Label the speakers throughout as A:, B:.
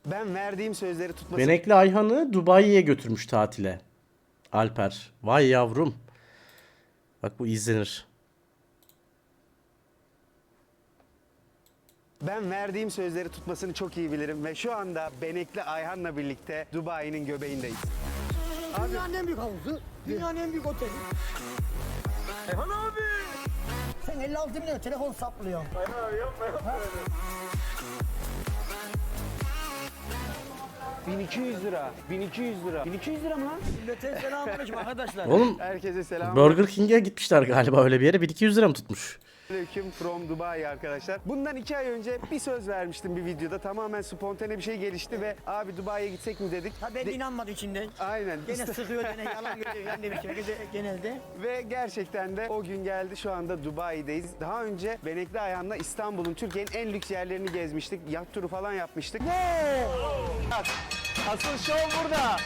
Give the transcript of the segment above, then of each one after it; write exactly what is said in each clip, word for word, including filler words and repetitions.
A: Ben verdiğim sözleri tutması...
B: Benekli Ayhan'ı Dubai'ye götürmüş tatile. Alper. Vay yavrum. Bak bu izlenir.
A: Ben verdiğim sözleri tutmasını çok iyi bilirim ve şu anda Benekli Ayhan'la birlikte Dubai'nin göbeğindeyiz.
C: Dünyanın en büyük havuzu, dünyanın en büyük oteli. Ayhan abi! Sen elli altı bin lira telefon saplıyorsun.
A: Ayhan abi yapma yapma. bin iki yüz lira, bin iki yüz lira. bin iki yüz lira mı lan?
C: Millete selamünaleyküm arkadaşlar.
B: Oğlum
A: Herkese selam.
B: Burger King'e gitmişler galiba öyle bir yere. bin iki yüz lira mı tutmuş?
A: Aleyküm from Dubai arkadaşlar. Bundan iki ay önce bir söz vermiştim bir videoda. Tamamen spontane bir şey gelişti ve abi Dubai'ye gitsek mi dedik.
C: Ha ben
A: De-
C: inanmadı içinden.
A: Aynen.
C: Gene
A: İşte-
C: sıkıyor gene yalan görüyor yani demiştim genelde.
A: Ve gerçekten de o gün geldi. Şu anda Dubai'deyiz. Daha önce Benekli Ayhan'la İstanbul'un, Türkiye'nin en lüks yerlerini gezmiştik. Yat turu falan yapmıştık. Bak, asıl şov burada.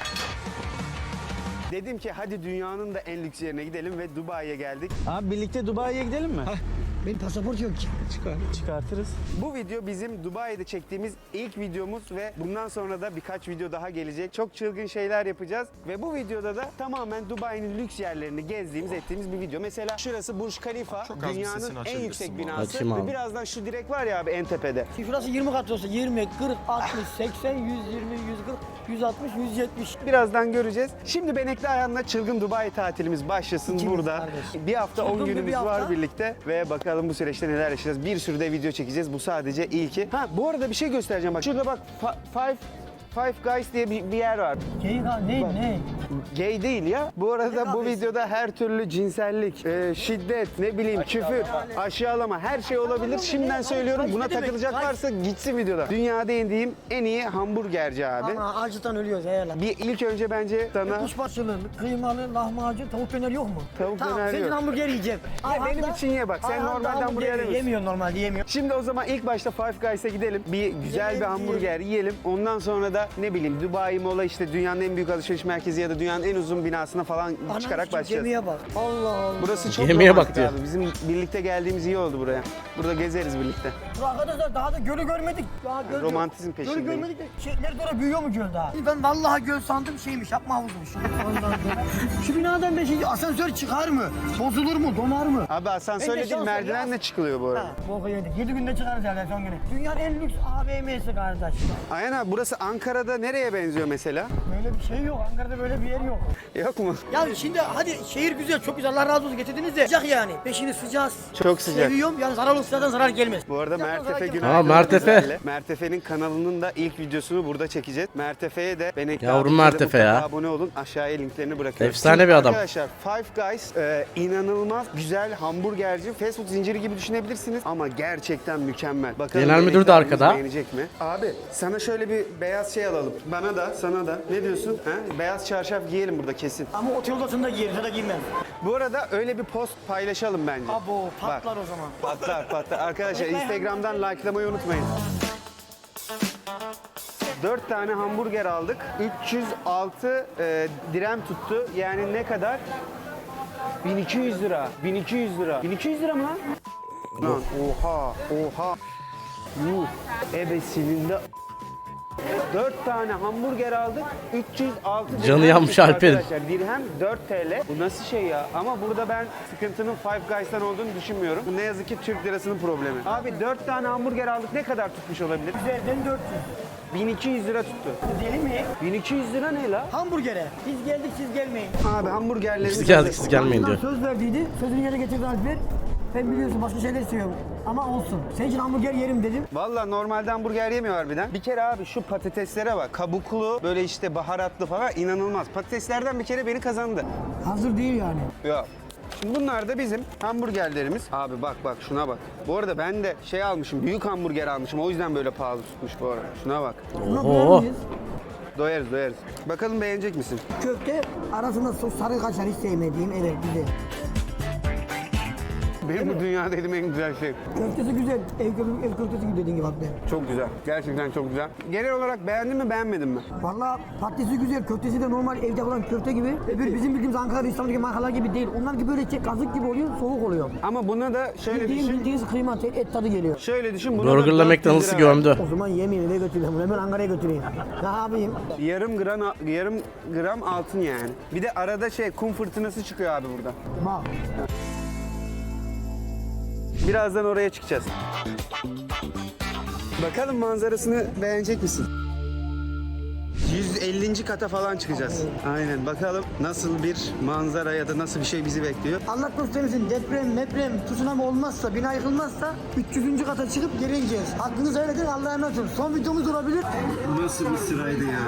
A: Dedim ki hadi dünyanın da en lüks yerine gidelim ve Dubai'ye geldik. Abi birlikte Dubai'ye gidelim mi?
C: Benim pasaport yok ki.
A: Çıkar, çıkartırız. Bu video bizim Dubai'de çektiğimiz ilk videomuz ve bundan sonra da birkaç video daha gelecek. Çok çılgın şeyler yapacağız ve bu videoda da tamamen Dubai'nin lüks yerlerini gezdiğimiz, ettiğimiz bir video. Mesela şurası Burj Khalifa,
D: Çok az bir
A: dünyanın
D: sesini
A: en
D: açabilirsin
A: yüksek
D: bu
A: binası
B: Açayım
A: ve
B: abi.
A: birazdan şu direk var ya abi en tepede.
C: Şimdi şurası yirmi kat olsa yirmi, kırk, altmış, seksen, yüz yirmi, yüz kırk, yüz altmış, yüz yetmiş.
A: Birazdan göreceğiz. Şimdi Benekli Ayhan'la çılgın Dubai tatilimiz başlasın
C: İkimiz
A: burada.
C: kardeş.
A: Bir hafta on
C: Çılgın bir
A: günümüz
C: hafta.
A: var birlikte ve bakalım bu süreçte neler yaşayacağız. Bir sürü de video çekeceğiz. Bu sadece ilki. Ha bu arada bir şey göstereceğim bak. Şurada bak fa- Five Five Guys diye bir, bir yer var.
C: Ceyhan ne ne?
A: Gay değil ya. Bu arada
C: Ne
A: bu
C: kahvesi?
A: videoda her türlü cinsellik, e, şiddet, ne bileyim küfür, aşağılama her şey olabilir. Şimdiden söylüyorum buna
C: Ne demek?
A: takılacak
C: Guys.
A: varsa gitsin videoda. Dünyada yediğim en iyi hamburgerci abi.
C: Ama acıdan ölüyoruz eğerler.
A: Bir ilk önce bence sana
C: Kuşbaşılı, kıymalı, lahmacun, tavuk döner yok mu?
A: Tavuk
C: tamam,
A: döner
C: senin
A: yok.
C: hamburger yiyeceğim.
A: Ya benim için ye bak. Sen
C: Ayhan da
A: normalde hamburger yemiyorsun.
C: Yemiyor normalde yemiyor.
A: Şimdi o zaman ilk başta Five Guys'a gidelim. Bir güzel bir
C: Yiyelim,
A: hamburger yiyelim. Ondan sonra da ne bileyim Dubai Mola işte dünyanın en büyük alışveriş merkezi ya da dünyanın en uzun binasına falan çıkarak
C: Anam,
A: başlayacağız.
C: Gemiye bak. Allah Allah.
A: Burası çok
B: Yemeğe
A: romantik
B: bak diyor.
A: abi. Bizim birlikte geldiğimiz iyi oldu buraya. Burada gezeriz birlikte.
C: Dur arkadaşlar daha da gölü görmedik. Daha göl yok.
A: Romantizm peşindeyim.
C: Gölü görmedik de şeyler doğru büyüyor mu göl daha? Ben vallahi göl sandım şeymiş yapma havuzmuş. Şu binadan ben şey asansör çıkar mı? Bozulur mu? Donar mı?
A: Abi asansörle
C: Ben de
A: değil
C: şans
A: merdivenle
C: ya.
A: çıkılıyor bu arada.
C: Ha, boku yedik. yedi günde çıkarız herhalde son günü. Dünyanın en lüks A V M'si kardeş.
A: Ayhan abi burası Ankara'da nereye benziyor mesela?
C: Böyle bir şey yok. Ankara'da böyle bir yer yok.
A: Yok mu?
C: Ya şimdi hadi şehir güzel, çok güzel. Allah razı olsun getirdiniz de sıcak yani. Peşini sıcağız.
A: Çok sıcak.
C: Seviyorum. Yani zararlı sıcaktan zarar gelmez.
A: Bu arada
C: Sıcaktan zarar
A: Mertefe
C: gelmez.
A: günaydın.
B: Aa, Mertefe.
A: Özellikle. Mertefe'nin kanalının da ilk videosunu burada çekeceğiz. Mertefe'ye de Benekli
B: Yavrum
A: abimize de
B: Mertefe ya.
A: mutlaka abone olun. Aşağıya linklerini bırakıyorum.
B: Efsane bir adam.
A: Arkadaşlar Five Guys e, inanılmaz güzel hamburgerci. Fast food zinciri gibi düşünebilirsiniz ama gerçekten mükemmel. Bakalım
B: Genel müdür
A: Benekli
B: de
A: abimiz
B: arkada.
A: beğenecek mi? Abi sana şöyle bir beyaz şey alalım. Bana da sana da. Ne diyorsun? Ha? Beyaz çarşaf giyelim burada kesin.
C: Ama otel odasında giyeriz ya da giymem.
A: Bu arada öyle bir post paylaşalım bence.
C: Abo
A: Bak.
C: patlar o zaman.
A: Patlar patlar. Arkadaşlar Instagram'dan likelamayı unutmayın. dört tane hamburger aldık. üç yüz altı e, dirhem tuttu. Yani ne kadar? bin iki yüz lira. bin iki yüz lira. bin iki yüz lira mı lan? Lan oha oha. Yuh. Ebesinin de dört tane hamburger aldık. üç yüz altı
B: Canı
A: dirhem
B: yanmış
A: tuttu
B: Alper'in.
A: arkadaşlar. Dirhem dört TL. Bu nasıl şey ya? Ama burada ben sıkıntının Five Guys'tan olduğunu düşünmüyorum. Bu ne yazık ki Türk lirasının problemi. Abi dört tane hamburger aldık. Ne kadar tutmuş olabilir?
C: Üzerinden dört yüz.
A: bin iki yüz lira tuttu.
C: Deli mi?
A: bin iki yüz lira ne la?
C: Hamburgere. Biz geldik siz gelmeyin.
A: Abi hamburgerlerimiz
B: Biz geldik
A: hazır.
B: siz gelmeyin diyor.
C: Söz verdiydi. Sözünü yerine getirdi Alper. Ben biliyorsun başka şeyler istiyorum. Ama olsun. Senin için hamburger yerim dedim.
A: Valla normalde hamburger yemiyor harbiden. Bir kere abi şu patateslere bak. Kabuklu, böyle işte baharatlı falan inanılmaz. Patateslerden bir kere beni kazandı.
C: Hazır değil yani.
A: Ya. Şimdi bunlar da bizim hamburgerlerimiz. Abi bak bak şuna bak. Bu arada ben de şey almışım, büyük hamburger almışım. O yüzden böyle pahalı tutmuş bu arada. Şuna bak.
C: Buna
B: Oho.
C: doyar mıyız?
A: Doyarız doyarız. Bakalım beğenecek misin?
C: Köfte arasında sos sarı kaşar hiç sevmediğim evet güzel.
A: Benim bu dünyada yediğim en güzel şey.
C: Köftesi güzel. Ev, köfte, ev köftesi gibi dediğin gibi abi.
A: Çok güzel. Gerçekten çok güzel. Genel olarak beğendin mi beğenmedin mi?
C: Valla patatesi güzel. Köftesi de normal evde yapılan köfte gibi. Öbür bizim bildiğimiz Ankara, İstanbul'daki markalar gibi değil. Onlar gibi böyle şey, kazık gibi oluyor, soğuk oluyor.
A: Ama buna da şöyle
C: Bildiğin
A: düşün.
C: bildiğiniz kıyma, et, et tadı geliyor.
A: Şöyle düşün. Buna da
B: Burger'la
A: dört yüz
B: McDonald's'ı
A: lira ver.
B: gömdü.
C: O zaman yemeyeyim eve götüreyim. Hemen Ankara'ya götüreyim. Ne yapayım?
A: Yarım gram yarım gram altın yani. Bir de arada şey kum fırtınası çıkıyor abi burada.
C: Bak.
A: Birazdan oraya çıkacağız. Bakalım manzarasını beğenecek misin? yüz ellinci kata falan çıkacağız. Aynen bakalım nasıl bir manzara ya da nasıl bir şey bizi bekliyor.
C: Allah göstermesin deprem, deprem, tsunami olmazsa, bina yıkılmazsa üç yüzüncü kata çıkıp geri ineceğiz. Hakkınızı helal edin, Allah'a emanet olun. Son videomuz olabilir.
A: Nasıl bir sıraydı ya?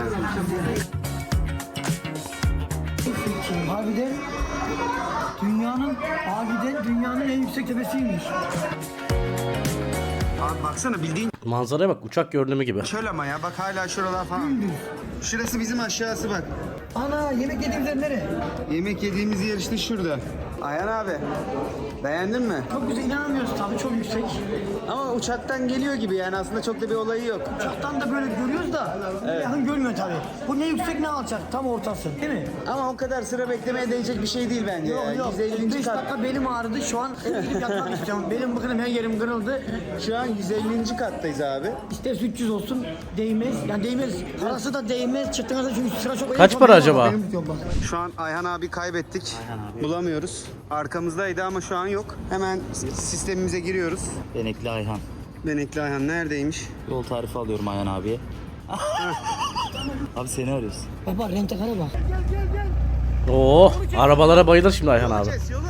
C: Harbiden dünyanın, harbiden dünyanın en yüksek tepesiymiş.
A: Abi baksana bildiğin
B: Manzaraya bak, uçak görünümü gibi.
A: çöl ama ya bak hala şuralar falan. Şurası bizim aşağısı bak.
C: Ana yemek yediğimiz yer nere?
A: Yemek yediğimiz yer işte şurada. Ayhan abi beğendin mi?
C: Çok güzel, inanamıyoruz tabii, çok yüksek.
A: Ama uçaktan geliyor gibi yani aslında çok da bir olayı yok.
C: Uçaktan da böyle görüyoruz da yakın görmüyor tabii. Bu ne yüksek ne alçak, tam ortası değil mi?
A: Ama o kadar sıra beklemeye değecek bir şey değil bence
C: Yok
A: ya.
C: yok,
A: yüz ellinci
C: beş
A: kat.
C: dakika belim ağrıdı, şu an eve gidip yatmak istiyorum. Belim bıkınım, her yerim kırıldı.
A: Şu an yüz ellinci kattayız abi.
C: İsterse üç yüz olsun, değmez. Yani değmez, parası da değmez. Çıktığınızda çünkü sıra çok...
B: Kaç para acaba?
C: Benim tutuyorum bak.
A: Şu an Ayhan abi kaybettik. Bulamıyoruz. Arkamızdaydı ama şu an yok. Hemen sistemimize giriyoruz.
D: Benekli Ayhan.
A: Benekli Ayhan neredeymiş?
D: Yol tarifi alıyorum Ayhan abiye. Abi seni arıyoruz.
C: Baba rentekara bak.
B: Oo, arabalara bayılır şimdi Ayhan abi.
A: Yolu.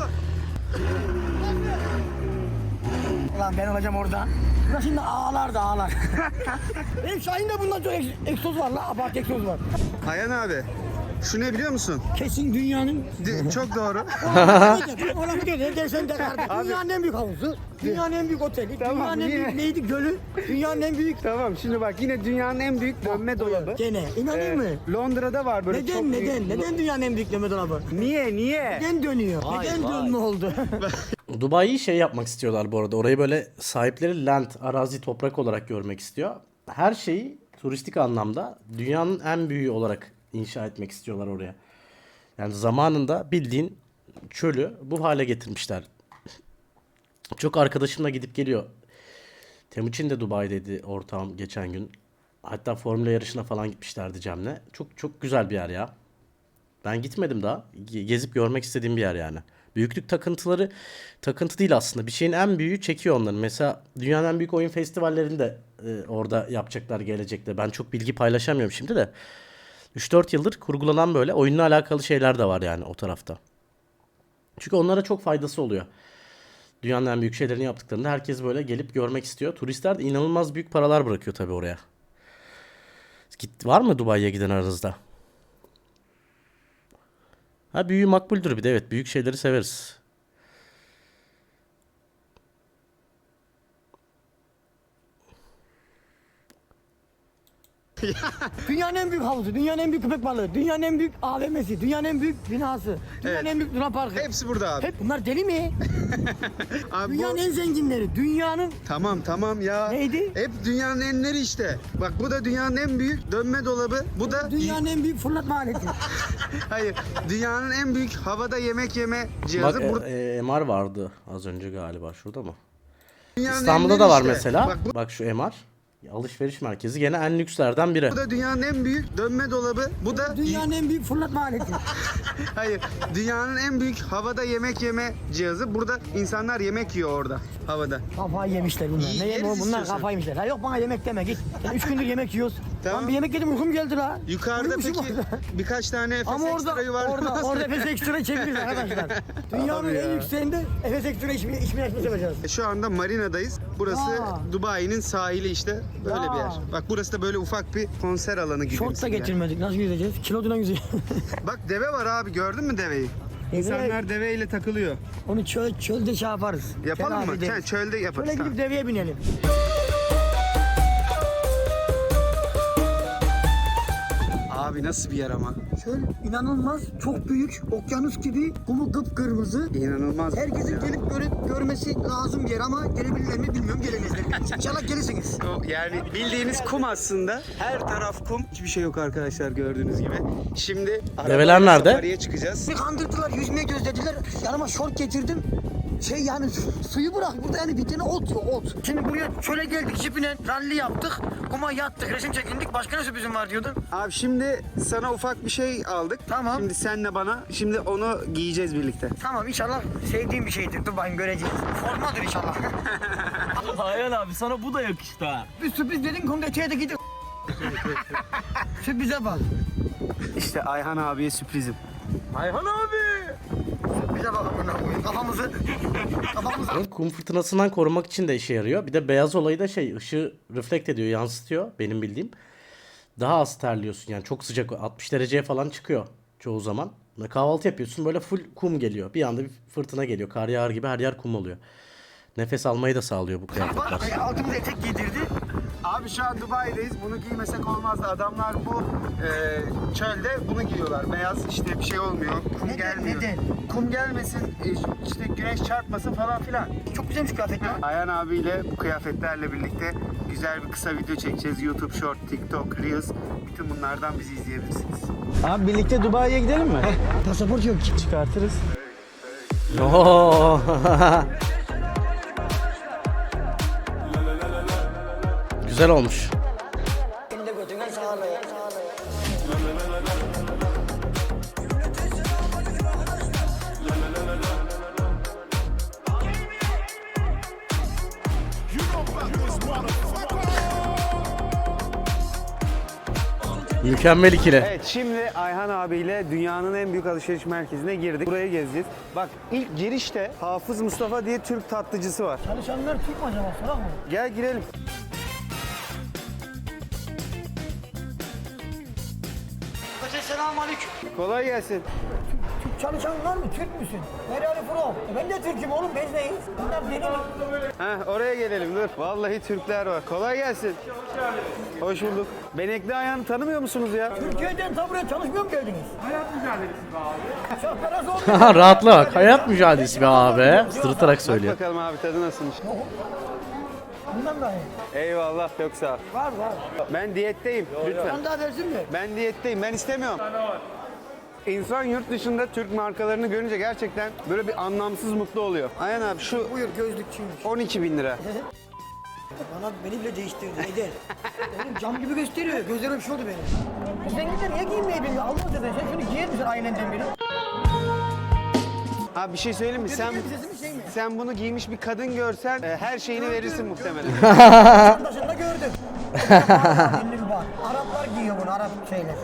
C: Ulan ben olacağım orada. Burası şimdi ağlar da ağlar. Benim Şahin'de bundan çok ek- egzoz var la, abart egzoz var.
A: Ayhan abi. Şu ne biliyor musun?
C: Kesin dünyanın...
A: D- çok doğru.
C: O lafı değil, ne dersen de kardeşim. Dünyanın en büyük havuzu, dünyanın en büyük oteli,
A: Tamam,
C: dünyanın en
A: yine-
C: büyük neydi gölü, dünyanın en büyük...
A: Tamam şimdi bak yine dünyanın en büyük dönme dolabı.
C: Gene, inanayım mı?
A: Ee, Londra'da var böyle çok
C: Neden,
A: büyük-
C: neden, neden dünyanın en büyük dönme dolabı?
A: Niye niye?
C: Neden dönüyor?
D: Vay,
C: neden
D: vay.
C: dönme oldu?
B: Dubai'yi şey yapmak istiyorlar bu arada. Orayı böyle sahipleri land, arazi, toprak olarak görmek istiyor. Her şeyi turistik anlamda dünyanın en büyüğü olarak inşa etmek istiyorlar oraya. Yani zamanında bildiğin çölü bu hale getirmişler. Çok arkadaşımla gidip geliyor. Temuçin de Dubai'deydi ortağım geçen gün. Hatta formüle yarışına falan gitmişlerdi Cem'le. Çok çok güzel bir yer ya. Ben gitmedim daha. Ge- Gezip görmek istediğim bir yer yani. Büyüklük takıntıları takıntı değil aslında. Bir şeyin en büyüğü çekiyor onları. Mesela dünyanın en büyük oyun festivallerini de e, orada yapacaklar gelecekte. Ben çok bilgi paylaşamıyorum şimdi de. üç dört yıldır kurgulanan böyle oyunla alakalı şeyler de var yani o tarafta. Çünkü onlara çok faydası oluyor. Dünyanın en büyük şeylerini yaptıklarında herkes böyle gelip görmek istiyor. Turistler de inanılmaz büyük paralar bırakıyor tabii oraya. Git, var mı Dubai'ye giden aranızda? Ha büyüğü makbuldür bir de, evet, büyük şeyleri severiz.
C: Dünyanın en büyük havuzu, dünyanın en büyük köpek balığı, dünyanın en büyük A V M'si, dünyanın en büyük binası, dünyanın
A: Evet.
C: en büyük Luna Parkı.
A: Hepsi burada abi.
C: Hep bunlar deli mi?
A: Abi bu-
C: Dünyanın en zenginleri, dünyanın
A: Tamam tamam ya.
C: Neydi?
A: Hep dünyanın enleri işte. Bak bu da dünyanın en büyük dönme dolabı. Bu da
C: dünyanın en büyük fırlatma aleti.
A: hayır. Dünyanın en büyük havada yemek yeme cihazı.
B: Bak
A: Burada
B: e, e, M R vardı az önce galiba, şurada mı?
A: dünyanın
B: İstanbul'da
A: enleri
B: da var
A: işte.
B: mesela.
A: Bak
B: Bak,
A: bu,
B: şu M R. Alışveriş merkezi gene en lükslerden biri.
A: bu da dünyanın en büyük dönme dolabı. Bu da
C: Dünyanın en büyük fırlatma aleti.
A: hayır. Dünyanın en büyük havada yemek yeme cihazı. Burada insanlar yemek yiyor orada havada.
C: Kafayı yemişler bunlar.
A: İyi,
C: Ne yem
A: yeriz
C: bunlar
A: istiyorsan.
C: kafayı yemişler. Ha yok bana yemek deme git. Ben üç gündür yemek yiyoruz.
A: Tamam.
C: Lan bir yemek yedim uykum geldi la.
A: Yukarıda
C: Uyumuşum
A: peki
C: orada.
A: birkaç tane Efes
C: Ama orada,
A: ekstrayı var.
C: orada, orada Efes Ekstra çeviririz arkadaşlar. Dünyanın
A: Abi
C: en
A: ya.
C: yükseğinde Efes Ekstra içme, içme açması yapacağız.
A: E, Şu anda marinadayız. Burası
C: Ya.
A: Dubai'nin sahili işte. Böyle
C: Ya.
A: bir yer. Bak burası da böyle ufak bir konser alanı gibi.
C: Şort da getirmedik. Nasıl yüzeceğiz? Kiloduna yüzeceğiz.
A: Bak deve var abi, gördün mü deveyi? İnsanlar deveyle takılıyor.
C: Onu çöl, çölde şey yaparız.
A: Yapalım
C: Telafi
A: mı?
C: ederiz.
A: Sen çölde yaparız.
C: Şöyle
A: Tamam.
C: gidip deveye binelim.
A: Abi nasıl bir yer ama?
C: Şöyle inanılmaz çok büyük okyanus gibi kumu kıpkırmızı.
A: İnanılmaz.
C: Herkesin
A: ya.
C: gelip görüp görmesi lazım bir yer ama gelebilirler mi bilmiyorum gelemezler. İnşallah gelirsiniz.
A: O yani bildiğiniz kum aslında. Her taraf kum. Hiçbir şey yok arkadaşlar gördüğünüz gibi. Şimdi
B: Develer
A: arabayla
B: nerede?
A: safariye çıkacağız.
C: Bir kandırdılar yüzmeye gözlediler. Yanıma şort getirdim. Şey yani su- suyu bırak burada yani bir tane ot yok ot. Şimdi buraya şöyle geldik jipine ralli yaptık. Kuma yattık resim çekindik. Başka ne sürprizim var diyordun.
A: Abi şimdi sana ufak bir şey aldık.
C: Tamam.
A: Şimdi senle bana. Şimdi onu giyeceğiz birlikte.
C: Tamam inşallah sevdiğim bir şeydir. Dur bakayım göreceğiz. Formadır inşallah.
D: Ayhan abi sana bu da yakıştı ha.
C: Bir sürpriz dedin kumda içeri gidip. Sürprize bak.
A: İşte Ayhan abiye sürprizim.
D: Ayhan abi.
C: Sürprize bak amına koyayım. Kafamızı kafamızı
B: Bunun kum fırtınasından korumak için de işe yarıyor. Bir de beyaz olayı da şey ışığı reflekt ediyor, yansıtıyor benim bildiğim. Daha az terliyorsun yani çok sıcak altmış dereceye falan çıkıyor çoğu zaman. Ve kahvaltı yapıyorsun böyle full kum geliyor. Bir anda bir fırtına geliyor. Kar yağar gibi her yer kum oluyor. Nefes almayı da sağlıyor bu kıyafetler.
C: bak. Altımıza etek giydirdi.
A: Abi şu an Dubai'deyiz. Bunu giymesek olmazdı. Adamlar bu e, çölde bunu giyiyorlar. Beyaz işte bir şey olmuyor. Kum
C: Neden,
A: gelmiyor.
C: neden?
A: Kum gelmesin, e, işte güneş çarpmasın falan filan.
C: Çok güzelmiş kıyafetler.
A: Ayhan abiyle bu kıyafetlerle birlikte güzel bir kısa video çekeceğiz. YouTube Short, TikTok, Reels. Bütün bunlardan bizi izleyebilirsiniz.
E: Abi birlikte Dubai'ye gidelim mi?
C: Pasaport yok ki.
E: Çıkartırız.
B: Oo. Güzel olmuş.
C: Elinde götüne sağlığı.
B: Mükemmel ikili.
A: Evet, şimdi Ayhan abiyle dünyanın en büyük alışveriş merkezine girdik. Burayı gezeceğiz. Bak ilk girişte Hafız Mustafa diye Türk tatlıcısı var.
C: Çalışanlar Türk mü acaba? Sorak mı?
A: Gel girelim.
C: Selamun aleyküm.
A: Kolay gelsin.
C: Türk çalışanlar mı? Türk müsün? Where are you from? E ben de Türk'üm oğlum. Biz neyiz? Bunlar benim.
A: Heh, oraya gelelim dur. Vallahi Türkler var. Kolay gelsin. Hoş geldiniz. Hoş bulduk. Benekli Ayhan'ı tanımıyor musunuz ya?
C: Türkiye'den ta buraya çalışmıyor mu geldiniz? Hayat mücadelesi be abi. Çok parası olmuyor.
B: Rahatla bak. Hayat mücadelesi be abi. Sırıtarak
A: Bak
B: söylüyor.
A: bakalım abi tadı nasılmış.
C: Bundan da iyi.
A: Eyvallah çok sağ ol.
C: Var var.
A: Ben diyetteyim lütfen.
C: Sen daha versin mi?
A: Ben diyetteyim. Ben istemiyorum. İnsan yurt dışında Türk markalarını görünce gerçekten böyle bir anlamsız mutlu oluyor. Ayhan abi şu
C: Buyur gözlükçüymüş.
A: on iki bin lira.
C: Bana beni bile değiştirdi Eder. Oğlum cam gibi gösteriyor. Gözlerim bir şey oldu benim. Zenginler niye giyinmeyi bilmiyor? Allah zaten sen şunu giyer misin ailenden biri?
A: Abi bir şey söyleyeyim mi? Sen
C: Elbisesi mi şey mi?
A: sen bunu giymiş bir kadın görsen e, her şeyini verirsin muhtemelen.
C: Başında gördüm. elli ruba. Araplar giyiyor bunu Arap şeyler.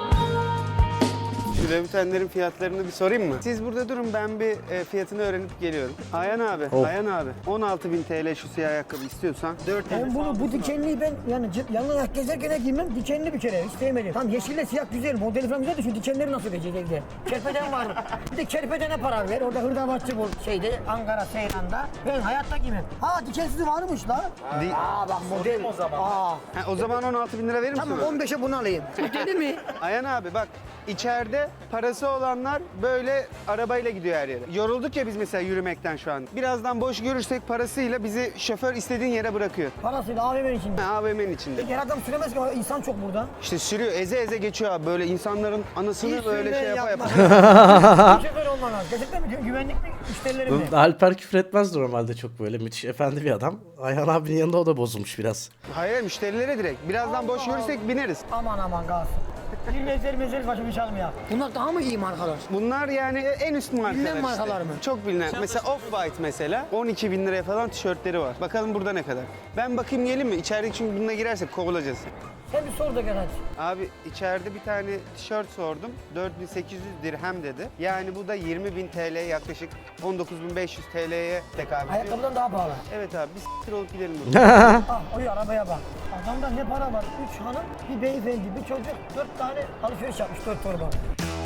A: Şu lebutenlerin fiyatlarını bir sorayım mı? Siz burada durun ben bir e, fiyatını öğrenip geliyorum. Ayhan abi,
B: Oh.
A: Ayhan abi. on altı bin T L şu siyah ayakkabı istiyorsan dört
C: Ben bunu bu dikenliyi ben yani cep- yalnız ayak gezerken giymem dikenli bir kere hiç sevmedim. Tam yeşille siyah güzel modeli falan güzel de şu dikenleri nasıl verecek evde? Kerpeden var. Bir de kerpedene para ver. Orada hırdavatçı bu şeyde Ankara Seyran'da. Ben hayatta giymem. Ha dikensizi varmış la.
A: Di-
C: Aa bak model. O zaman. Aa.
A: Ha, o zaman on altı bin lira verir misin?
C: Tamam
A: bana?
C: on beşe bunu alayım. Deli mi?
A: Ayhan abi bak içeride parası olanlar böyle arabayla gidiyor her yere. Yorulduk ya biz mesela yürümekten şu an. Birazdan boş görürsek parasıyla bizi şoför istediğin yere bırakıyor.
C: Parasıyla A V M'nin içinde.
A: Ha, A V M'nin içinde.
C: Her adam süremez ki insan çok burada.
A: İşte sürüyor eze eze geçiyor abi böyle insanların anasını
C: Hiç
A: böyle
C: sürme
A: şey yapa
C: yapma.
A: yapa.
C: Bir şoför olman lazım. Gerçekten mi diyorum? Güvenlik mi? Müşterilerim mi?
B: Alper küfür etmez normalde çok böyle. Müthiş efendi bir adam. Ayhan abinin yanında o da bozulmuş biraz.
A: Hayır müşterilere direkt. Birazdan boş görürsek bineriz.
C: Aman aman gaz. Bir mezeli mezeli başımı çalmıyor. Bunlar daha mı iyi markalar?
A: Bunlar yani en üst markalar
C: Bilinen
A: işte.
C: markalar mı?
A: Çok bilinen. Mesela Off-White mesela on iki bin liraya falan tişörtleri var. Bakalım burada ne kadar. Ben bakayım gelin mi? İçeride çünkü bununla girersek kovulacağız.
C: Sen bir sor da gel hadi.
A: Abi içeride bir tane tişört sordum. dört bin sekiz yüz dirhem dedi. Yani bu da yirmi bin T L yaklaşık on dokuz bin beş yüz T L'ye tekabül ediyor.
C: Ayakkabıdan daha pahalı.
A: Evet abi biz s**tir olup gidelim buradan.
C: Ah oy arabaya bak. Adamda ne para var? Üç hanım, bir beyefendi, bir çocuk, dört tane alışveriş yapmış, dört torba.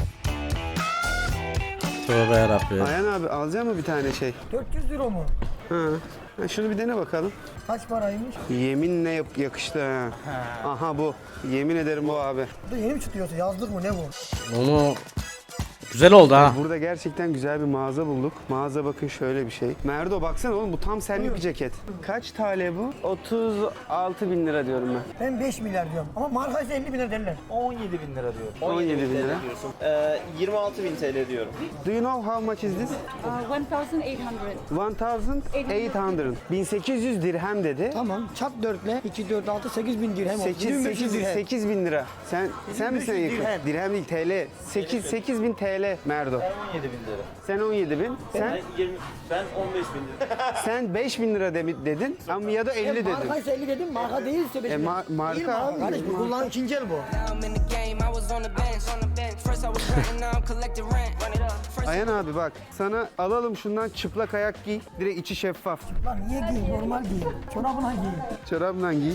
B: Tövbe yarabbim.
A: Ayhan abi alacak mı bir tane şey?
C: dört yüz euro mu?
A: Ha. Ha, şunu bir dene bakalım.
C: Kaç paraymış?
A: Yeminle yap- yakıştı ha. Aha bu. Yemin ederim bu abi.
C: Bu da yeni mi tutuyorsun? Yazlık mı ne bu?
B: Onu güzel oldu ha.
A: Burada gerçekten güzel bir mağaza bulduk. Mağaza bakın şöyle bir şey. Merdo baksana oğlum bu tam senlik bir ceket. Kaç T L bu? otuz altı bin lira diyorum ben.
C: Ben beş milyar diyorum. Ama markaysa elli bin lira derler.
F: on yedi bin lira diyor.
A: on yedi bin lira.
F: diyorsun. Ee, yirmi altı bin T L diyorum.
A: Do you know how much is this?
G: Uh, one thousand eight hundred.
A: bin sekiz yüz. bin sekiz yüz dirhem dedi.
C: Tamam. Çarp dörtle iki, dört, altı, sekiz bin dirhem oldu.
A: sekiz,
C: yirmi beş yüz
A: sekiz,
C: dirhem.
A: sekiz bin lira. Sen sen misin en yakın?
C: dirhem.
A: Dirhem değil T L. sekiz, sekiz bin T L Merdo.
F: on yedi bin lira.
A: Sen on yedi bin. Sen
F: Ben, yirmi, ben on beş bin lira.
A: sen beş bin lira de- dedin ama ya da elli dedin.
C: Markaysa elli dedim. Marka değilse beş
A: E,
C: bin.
A: ma- marka
C: Değil marka
A: abi,
C: kardeş. Bu
A: marka.
C: kullanım ikinci el bu.
H: I'm in the game, I was on the bench. On the bench. First I was renting, now I'm collecting rent. Run it up. First
A: Ayhan abi bak sana alalım şundan çıplak ayak giy. Direkt içi şeffaf.
C: Lan niye giyin? Normal giyin. Çorabına giyin.
A: Çorabla giy.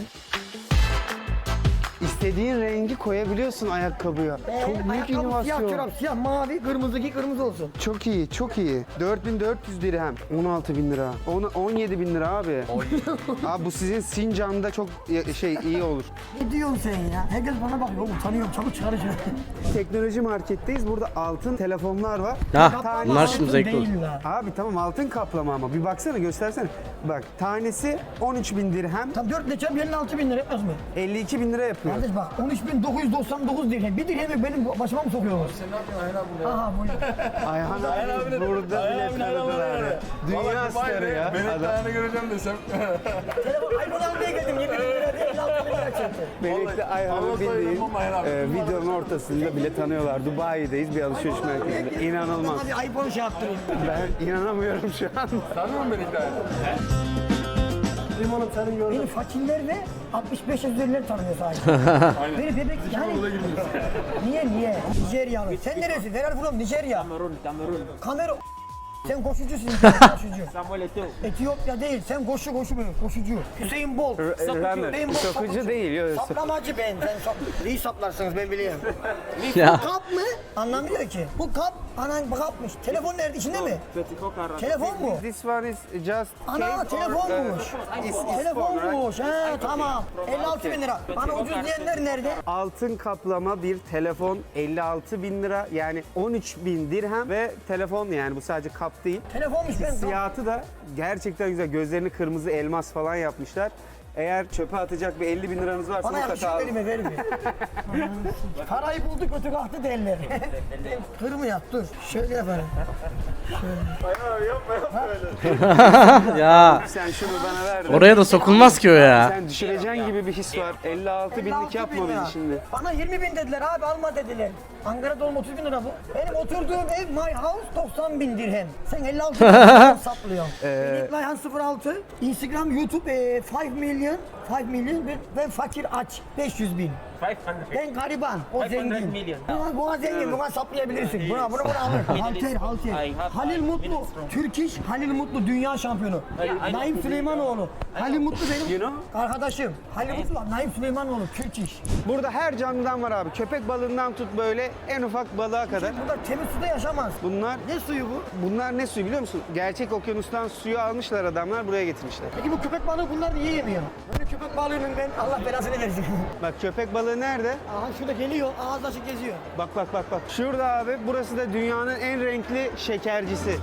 A: İstediğin rengi koyabiliyorsun ayakkabıya.
C: Ee,
A: Çok büyük
C: ayakkabı,
A: inovasyon.
C: Siyah çorap, siyah, mavi, kırmızı giy, kırmızı olsun.
A: Çok iyi, çok iyi. dört bin dört yüz dirhem. on altı bin lira. On- on yedi bin lira abi. Abi bu sizin Sincan'da çok ya- şey iyi olur.
C: Ne diyorsun sen ya? Herkes bana bakıyor. Utanıyorum. Çabuk çıkar şunu.
A: Teknoloji marketteyiz. Burada altın telefonlar var.
B: Ha,
A: Tane-
B: bunlar şimdi zevkli olur.
C: Değil la.
A: Abi tamam altın kaplama ama bir baksana göstersene. Bak tanesi on üç bin dirhem.
C: Tam dört ile çarp elli altı bin lira etmez mi?
A: elli iki bin lira yapıyor.
C: Kardeş bak on üç bin dokuz yüz doksan dokuz dirhem. Bir dirhemi benim başıma mı sokuyorlar? Sen ne yapıyorsun Ayhan abi? Aha bu.
A: Ayhan abi burada bile tanıdılar ya. Dünya starı ya. Adam.
D: göreceğim desem.
C: Telefon iPhone almaya geldim. yirmi bin lira diye elli altı bin lira çekti.
A: Benekli Ayhan'ı bildiğin e, videonun ortasında bile tanıyorlar. Dubai'deyiz bir alışveriş merkezinde. İnanılmaz.
C: Hadi iPhone şey yaptırayım.
A: Ben inanamıyorum şu an.
D: Tanıyor musun beni hikaye?
C: Limonum senin gördüm. Beni fakirler ve altmış beş yaş üzerileri tanıyor sadece. Beni bebek yani. Niye niye? Nijeryalı. Sen neresi? Where are you from? Nijerya.
F: Kamerun, Kamerun.
C: Kamera. Sen koşucusun. Koşucu.
F: Samuel Eto'o.
C: Etiyopya değil. Sen koşu koşu böyle. Koşucu. Hüseyin Bolt.
A: Runner.
C: Hüseyin Bolt
A: Sokucu değil. Yok, sok-
C: Saplamacı ben. Sen sap. İyi saplarsınız ben biliyorum.
B: Ya.
C: Kap mı? Anlamıyor ki. Bu kap. Anan kapmış. Telefon nerede? İçinde mi?
F: Petiko Kara.
C: Telefon mu?
A: This one is just
C: Ana
A: case or,
C: telefonmuş.
A: uh, is- is phone, right?
C: Telefonmuş. He tamam. elli altı bin lira. Bana ucuz diyenler nerede?
A: Altın kaplama bir telefon elli altı bin lira yani on üç bin dirhem ve telefon yani bu sadece kap değil.
C: Telefonmuş ben.
A: Siyahı da gerçekten güzel. Gözlerini kırmızı elmas falan yapmışlar. Eğer çöpe atacak bir elli bin liranız varsa
C: Bana yakışık
A: mutlaka alın.
C: elime ver bir. Parayı bulduk kötü kalktı derler. Kırmıyor dur. Şöyle yaparım.
B: Ya
A: Sen şunu bana ver de.
B: oraya da sokulmaz ki o ya.
A: Sen düşüreceğin gibi bir his var. elli altı binlik yapma
C: bin lira.
A: beni şimdi.
C: Bana yirmi bin dediler abi alma dediler. Ankara'da olma otuz bin lira bu. Benim oturduğum ev My House doksan bin dirhem. Sen elli altı bin lira saplıyorsun. Benim My House sıfır altı. Instagram, YouTube e, beş milyon. beş milyon ben, ben fakir aç beş yüz bin.
F: beş yüz.
C: Ben gariban, o
F: beş yüz
C: zengin.
F: milyon.
C: Buna, buna zengin, buna saplayabilirsin. Buna, bunu, bunu alır. Halter, halter. Halil Mutlu, Türk iş, Halil Mutlu dünya şampiyonu. Naim Süleymanoğlu. Halil Mutlu benim
A: You know?
C: arkadaşım. Halil Mutlu, Naim Süleymanoğlu, Türk iş.
A: Burada her canlıdan var abi. Köpek balığından tut böyle en ufak balığa kadar.
C: Burada temiz suda yaşamaz.
A: Bunlar
C: Ne suyu bu?
A: bunlar ne suyu biliyor musun? Gerçek okyanustan suyu almışlar adamlar buraya getirmişler.
C: Peki bu köpek balığı bunlar niye yemiyor? Böyle köpek balığının ben Allah belasını versin.
A: Bak köpek balığı nerede?
C: Aha şurada geliyor, ağız açık geziyor.
A: Bak bak bak bak. Şurada abi burası da dünyanın en renkli şekercisi.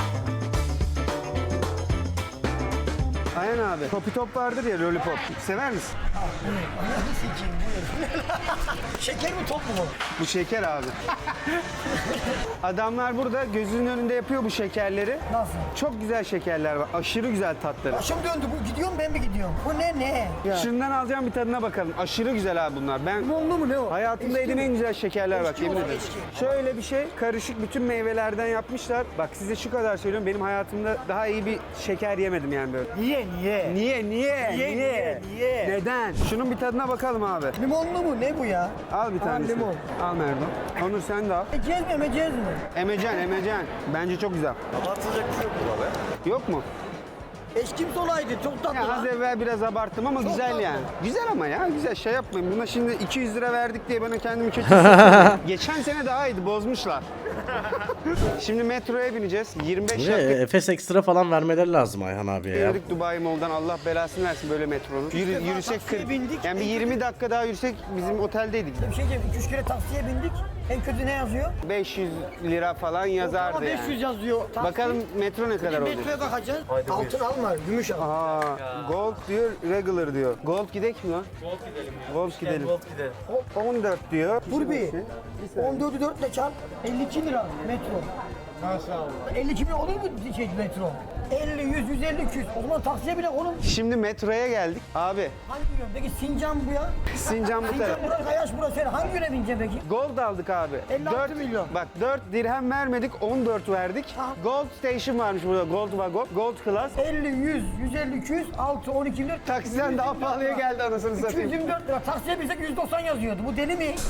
A: Ayhan abi. Popi top vardır ya lollipop. Sever misin?
C: Anladın sikiyim buyur. Şeker mi top mu bu?
A: Bu şeker abi. Adamlar burada gözünün önünde yapıyor bu şekerleri.
C: Nasıl?
A: Çok güzel şekerler var. Aşırı güzel tatları.
C: Başım döndü bu gidiyor mu ben mi gidiyorum? Bu ne ne? Ya.
A: Şundan alacağım bir tadına bakalım. Aşırı güzel abi bunlar. Ben
C: Limonlu mu ne o?
A: hayatımda
C: Eski
A: yediğim
C: mi?
A: en güzel şekerler bak
C: Eski
A: yemin
C: olan
A: ederim.
C: eski.
A: Şöyle bir şey karışık bütün meyvelerden yapmışlar. Bak size şu kadar söylüyorum. Benim hayatımda daha iyi bir şeker yemedim yani böyle.
C: Niye niye?
A: Niye niye
C: Niye, niye, niye?
A: Neden? Şunun bir tadına bakalım abi.
C: Limonlu mu ne bu ya?
A: Al bir
C: Aa,
A: tanesini.
C: limon.
A: Al Merdo. Onur sen de al.
C: Ecez mi emecez mi?
A: Emecen emecen. Bence çok güzel.
D: Atılacak bir şey yok bu abi.
A: Yok mu?
C: Eş kimse olaydı. Çok tatlı.
A: Ya az
C: lan.
A: evvel biraz abarttım ama
C: Çok
A: güzel
C: tatlı.
A: yani. Güzel ama ya güzel şey yapmayın. Buna şimdi iki yüz lira verdik diye bana kendimi kötü hissediyorum. Geçen sene daha iyiydi bozmuşlar. Şimdi metroya bineceğiz. yirmi beş
B: Ve
A: dakika
B: Efes ekstra falan vermeleri lazım Ayhan abiye ya.
A: yürüdük Dubai Mall'dan. Allah belasını versin böyle metronun. Yürü,
C: defa
A: yürüsek
C: taksiye
A: kırk.
C: bindik.
A: Yani bir yirmi dakika daha yürüsek bizim oteldeydik.
C: Bir şey diyeyim. iki üç kere taksiye bindik. En kötü ne yazıyor?
A: beş yüz lira falan yazardı
C: Ama beş yüz
A: yani.
C: yazıyor. Taksi.
A: Bakalım metro ne kadar olacak.
C: Metroya bakacağız. Altın alma, gümüş al.
A: Aa, gold diyor, regular diyor. Gold gidek mi lan?
F: Gold gidelim ya.
A: Gold gidelim.
F: Gold gidelim.
A: on dört diyor.
C: Dur bir. on dördü dört ile çarp. elli iki lira metro.
F: Maşallah.
C: elli iki bin olur mu şey metro? elli, yüz, yüz elli, iki yüz. O zaman taksiye bile oğlum.
A: Şimdi metroya geldik. Abi
C: Hangi yön? Peki Sincan bu ya?
A: Sincan bu taraf.
C: Sincan burası, Kayaş burası. Sen hangi yöne bineceksin peki?
A: Gold aldık abi.
C: elli altı
A: Dört-
C: milyon.
A: Bak dört dirhem vermedik, on dört verdik.
C: Ha.
A: Gold Station varmış burada. Gold Wagon, Gold Class.
C: elli, yüz, yüz elli, iki yüz, altı, on iki lira.
A: Taksiden daha pahalıya geldi anasını
C: iki yüz
A: satayım.
C: yirmi dört lira. Taksiye binsek yüz doksan yazıyordu. Bu deli mi?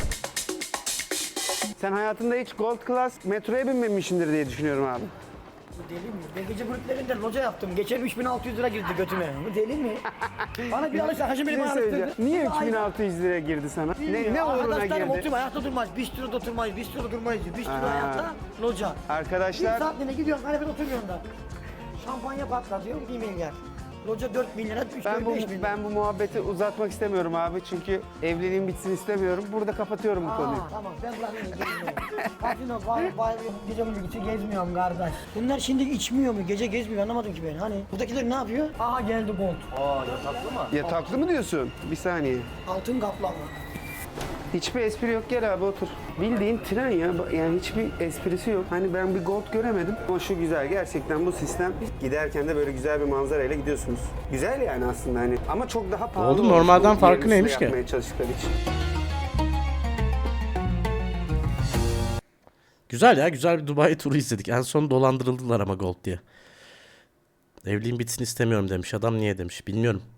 A: Sen hayatında hiç Gold Class metroya binmemişsindir diye düşünüyorum abi.
C: Bu deli mi? Ben gece kulüplerinde loca yaptım. Geçen üç bin altı yüz lira girdi götüme. Bu deli mi? Bana bir alışa hacı
A: Bir
C: beni
A: şey
C: bana
A: söyleyeceğim.
C: alıştırdı.
A: Niye
C: Ay,
A: üç bin altı yüz liraya girdi sana? Ne, ne uğruna
C: Arkadaşlarım
A: girdi?
C: oturma, ayakta durmaz. Bistroda oturmayız, bistroda durmayız. Bistro
A: Aa.
C: ayakta, loca. Bir
A: Arkadaşlar
C: saatliğine gidiyorsun, kanepede oturuyorsun da. Şampanya patlatıyor, bir milyar. Loca dört bin lira, üç
A: ben bu
C: beş bin lira.
A: ben bu muhabbeti uzatmak istemiyorum abi çünkü evliliğim bitsin istemiyorum. Burada kapatıyorum bu konuyu.
C: Aa, tamam ben bırakayım gezmiyorum. Kasino, bar, bar, gece kulübü gezmiyorum kardeş. Bunlar şimdi içmiyor mu? Gece gezmiyor anlamadım ki ben. Hani buradakiler ne yapıyor? Aha geldi gold.
F: Aa yataklı mı?
A: Ya tatlı mı diyorsun? Bir saniye.
C: Altın kaplama.
A: Hiçbir espri yok. Gel abi otur. Bildiğin tren ya. Yani hiçbir esprisi yok. Hani ben bir gold göremedim. Ama şu güzel. Gerçekten bu sistem. Giderken de böyle güzel bir manzarayla gidiyorsunuz. Güzel yani aslında hani. Ama çok daha pahalı.
B: Oğlum,
A: olmuş
B: normalden
A: bu
B: farkı
A: yerin üstüne
B: neymiş ki?
A: yapmaya çalıştıkları için.
B: Güzel ya, güzel bir Dubai turu izledik. En son dolandırıldılar ama Gold diye. Evliliğim bitsin istemiyorum demiş. Adam niye demiş bilmiyorum.